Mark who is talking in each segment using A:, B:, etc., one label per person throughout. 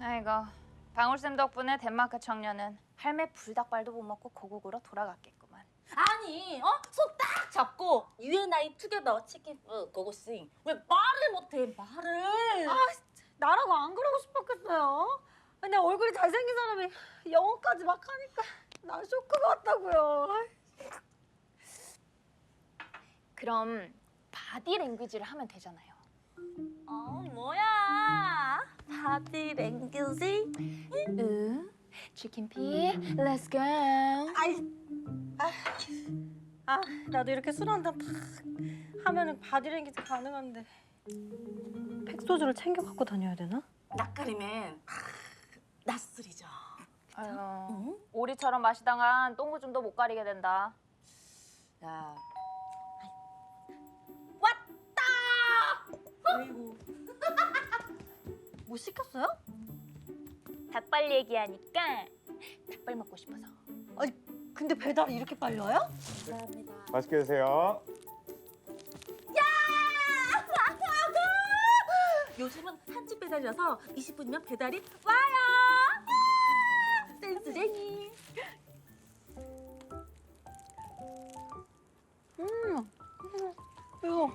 A: 아이고, 방울쌤 덕분에 덴마크 청년은 할매 불닭발도 못 먹고 고국으로 돌아갔겠구만.
B: 아니, 손 딱 잡고 You and I together 치킨 고고싱. 왜 말을 못해, 말을.
C: 나라고 안 그러고 싶었겠어요. 근데 얼굴이 잘생긴 사람이 영어까지 막 하니까 난 쇼크가 왔다고요.
A: 그럼 바디 랭귀지를 하면 되잖아요.
B: 뭐야. 바디 랭귀지?
A: 치킨피, let's go.
C: 나도 이렇게 술 한 잔 탁 하면은 바디랭귀지 가능한데 팩소주를 챙겨 갖고 다녀야 되나?
B: 낯가리면 낯설이죠.
A: 아유, 오리처럼 마시다간 똥구줌도 못 가리게 된다.
B: 야. 왔다!
C: 아이고. 뭐 시켰어요?
A: 닭발 얘기하니까 닭발 먹고 싶어서.
C: 아니 근데 배달이 이렇게 빨리 와요?
B: 감사합니다.
D: 맛있게 드세요.
B: 요즘은 한집 배달이라서 20분이면 배달이 와요. 센스쟁이.
C: 이거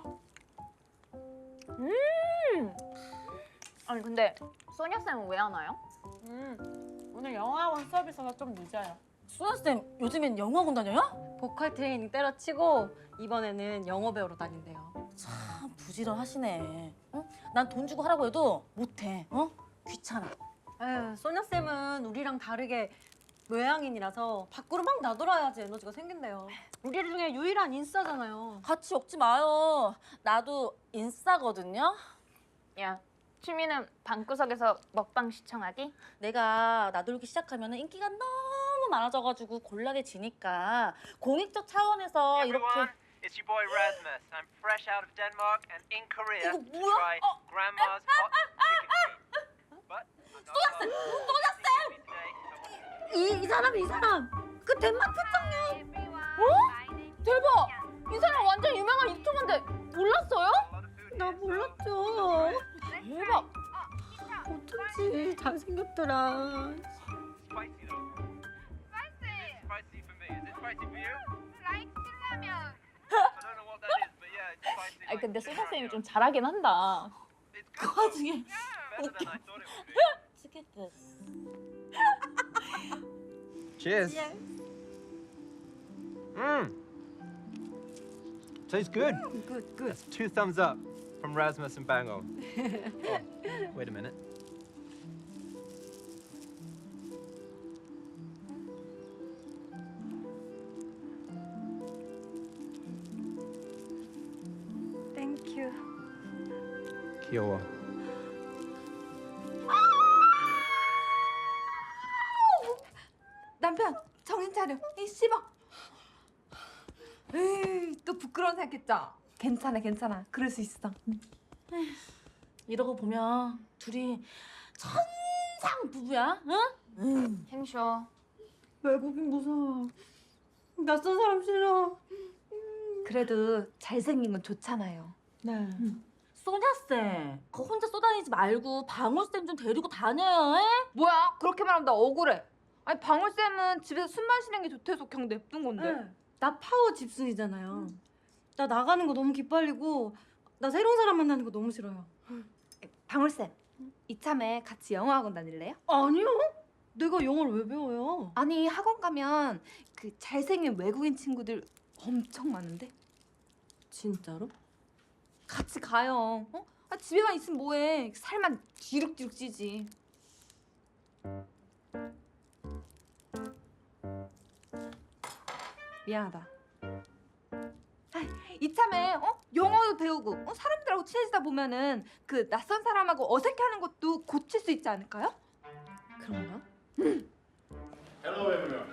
A: 아니 근데 소녀쌤은 왜 안 와요?
C: 오늘 영어학원 수업이어서 좀 늦어요.
B: 수연쌤 요즘엔 영어학원 다녀요?
C: 보컬 트레이닝 때려치고 이번에는 영어 배우러 다닌대요.
B: 참 부지런하시네. 난 돈 주고 하라고 해도 못해. 귀찮아.
C: 에휴, 소녀쌤은 우리랑 다르게 외향인이라서 밖으로 막 나돌아야지 에너지가 생긴대요. 우리 중에 유일한 인싸잖아요.
B: 같이 엮지 마요. 나도 인싸거든요.
A: 야, 취미는 방구석에서 먹방 시청하기?
B: 내가 나돌기 시작하면 인기가 너무 많아져가지고 곤란해지니까 공익적 차원에서 이렇게.
E: Everyone, it's your boy Rasmus. I'm fresh out of Denmark and in Korea
B: 이거
E: to
B: 뭐야?
E: try Grandma's hot chicken feet. But I'm not
B: 소녀쌤! 소녀쌤!
E: today. I want
C: 이 사람 그 덴마크 청년.
A: 대박! 이 사람 완전 유명한 유튜버인데 몰랐어요?
E: a lot of food
C: 나
E: here, so
C: 몰랐죠.
A: 대박!
C: 어쩐지 잘생겼더라.
E: spicy though. Spicy for me. Is it spicy for you? I don't know what that is, but yeah, it's spicy.
A: 아니
E: like
A: 근데
E: chicken
A: 소녀쌤이
E: ramen.
A: 좀 잘하긴 한다.
E: It's
B: 그
E: good.
B: 와중에
E: Better than I thought it would be.
B: 치킨트.
D: Cheers. Tastes good.
C: Good.
D: That's 2 thumbs up from Rasmus and Bango. Oh, wait a minute.
C: 땡큐.
D: 귀여워.
F: 남편 정신 차려. 이 씹어. 에이, 또 부끄러운 생각했죠? 괜찮아. 그럴 수 있어.
B: 이러고 보면 둘이 천상 부부야. 응?
A: 행쇼.
C: 외국인 무서워. 낯선 사람 싫어.
F: 그래도 잘생긴 건 좋잖아요.
C: 네.
B: 소녀쌤, 그 혼자 쏘다니지 말고 방울쌤 좀 데리고 다녀요. 에?
F: 뭐야? 그렇게 말하면 나 억울해. 아니 방울쌤은 집에서 숨 마시는 게 좋대서 그냥 냅둔 건데.
C: 네. 나 파워 집순이잖아요. 나 나가는 거 너무 기빨리고 나 새로운 사람 만나는 거 너무 싫어요.
F: 방울쌤, 이참에 같이 영어학원 다닐래요?
C: 아니요. 내가 영어를 왜 배워요?
F: 아니 학원 가면 그 잘생긴 외국인 친구들 엄청 많은데
C: 진짜로?
F: 같이 가요. 어? 아, 집에만 있으면 뭐해? 살만 뒤룩뒤룩 찌지. 미안하다. 아, 이참에 영어도 배우고 사람들하고 친해지다 보면은 그 낯선 사람하고 어색해하는 것도 고칠 수 있지 않을까요?
C: 그런가?
G: Hello, everyone.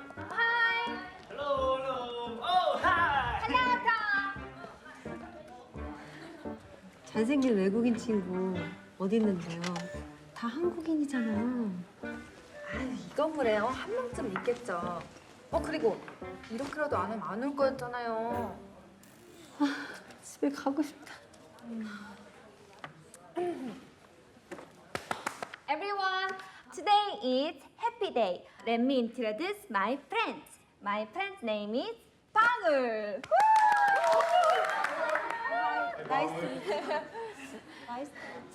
C: 잘생긴 외국인 친구 어디 있는데요? 다 한국인이잖아요.
F: 이 건물에 한 명쯤 있겠죠. 그리고 이렇게라도 안 하면 안 올 거였잖아요.
C: 집에 가고 싶다.
F: Everyone,
A: today is happy day. Let me introduce my friend. My friend's name is 방울.
C: 나이스. 나이스.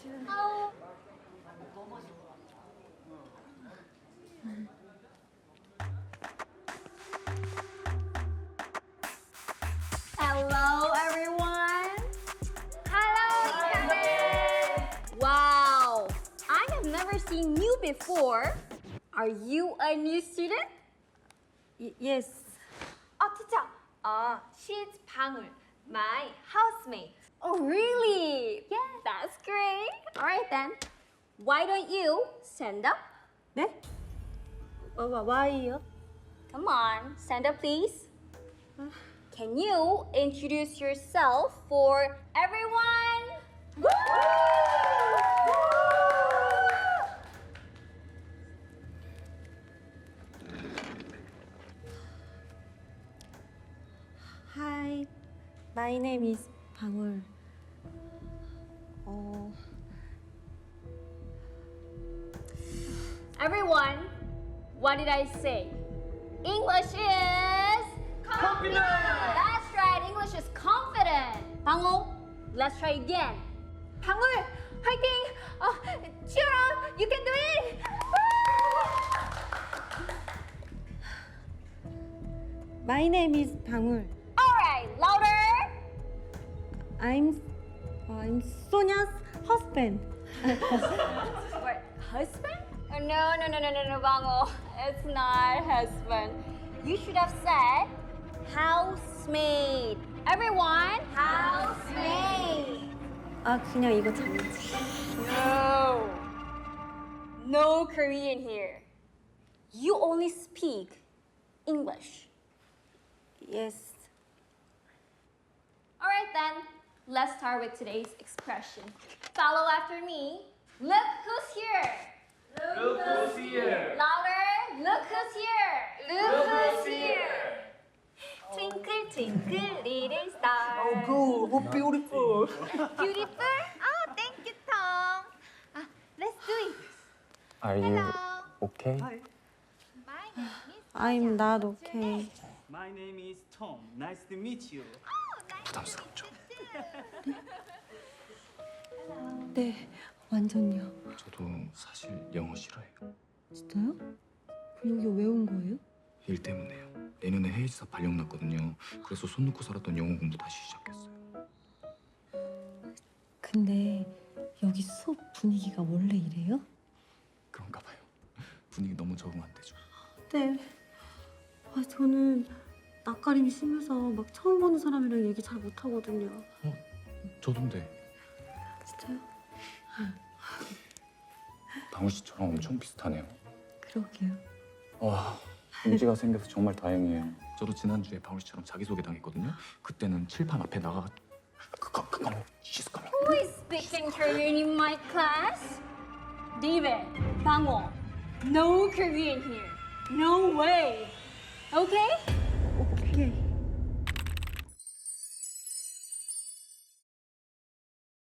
B: Hello, everyone.
A: Hello,
B: Wow, I have never seen you before. Are you a new student?
C: Yes.
A: teacher. She's 방울, my housemate.
B: Oh, really? Yeah, that's great. All right then. Why don't you stand up?
C: 네? Why요?
B: Come on, stand up, please. Can you introduce yourself for everyone?
C: Hi. My name is 방울.
B: Everyone, what did I say? English is confident. That's right. English is confident. 방울, let's try again.
A: 방울, 화이팅! cheer up! You can do it!
C: My name is 방울.
B: All right, louder.
C: I'm Sonia's husband.
B: What, husband? Oh, no, 방울. It's not husband. You should have said housemaid. Everyone, housemaid.
C: 아 그냥 이거 장난치.
B: No Korean here. You only speak English.
C: Yes.
B: All right then, let's start with today's expression. Follow after me. Look who's here.
D: Look who's here.
B: Louder. Look who's here.
A: Look who's here! Twinkle, twinkle, little star.
D: Oh, cool. Oh, beautiful.
A: Beautiful? Oh, thank you, Tom. Let's do it.
H: Are you
A: Hello.
H: okay?
A: My name is
C: I'm not okay.
I: My name is Tom. Nice to meet you.
H: 부담스럽죠?
C: 네, 완전요.
H: 저도 사실 영어 싫어해요.
C: 진짜요? 그럼 여기 왜 온 거예요?
H: 일 때문에요. 내년에 해외지사 발령 났거든요. 그래서 손 놓고 살았던 영어 공부 다시 시작했어요.
C: 근데 여기 수업 분위기가 원래 이래요?
H: 그런가 봐요. 분위기 너무 적응 안 되죠.
C: 네. 저는 낯가림이 심해서 막 처음 보는 사람이랑 얘기 잘 못하거든요.
H: 저도인데
C: 진짜요?
H: 방울 씨처럼 엄청 비슷하네요.
C: 그러게요.
H: 와, 인지가 생겨서 정말 다행이에요. 저도 지난주에 방울 씨처럼 자기소개 당했거든요. 그때는 칠판 앞에 나가 잠깐만, she's coming.
B: Who is speaking Korean in my class? David, 방울. No Korean here. No way. Okay?